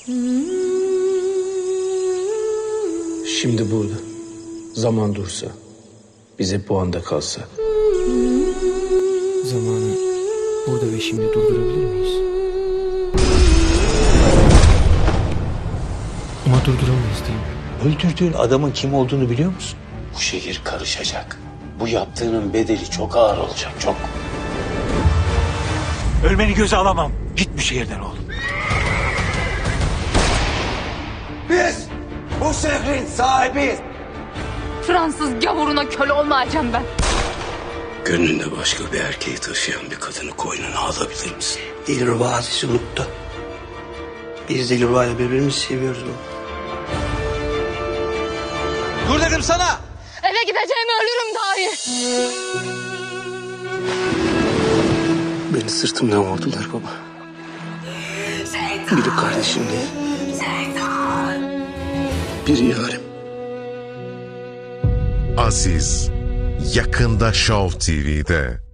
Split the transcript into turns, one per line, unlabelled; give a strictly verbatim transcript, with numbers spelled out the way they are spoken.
Şimdi burada. Zaman dursa. Bize bu anda kalsa.
Zamanı burada ve şimdi durdurabilir miyiz? Ama durduramayız değil mi?
Öldürdüğün adamın kim olduğunu biliyor musun?
Bu şehir karışacak. Bu yaptığının bedeli çok ağır olacak, çok.
Ölmeni göze alamam. Git bu şehirden oğlum.
Biz bu şehrin sahibiyiz.
Fransız gavuruna köle olmayacağım ben.
Gönlünde başka bir erkeği taşıyan bir kadını koynuna alabilir misin?
Dilruba Aziz'i unuttu. Biz Dilruba ile birbirimizi seviyoruz oğlum.
Dur dedim sana.
Eve gideceğimi ölürüm dahi.
Beni sırtımdan vurdular baba. Biri kardeşim diye. Biri yarim.
Aziz yakında Show T V'de.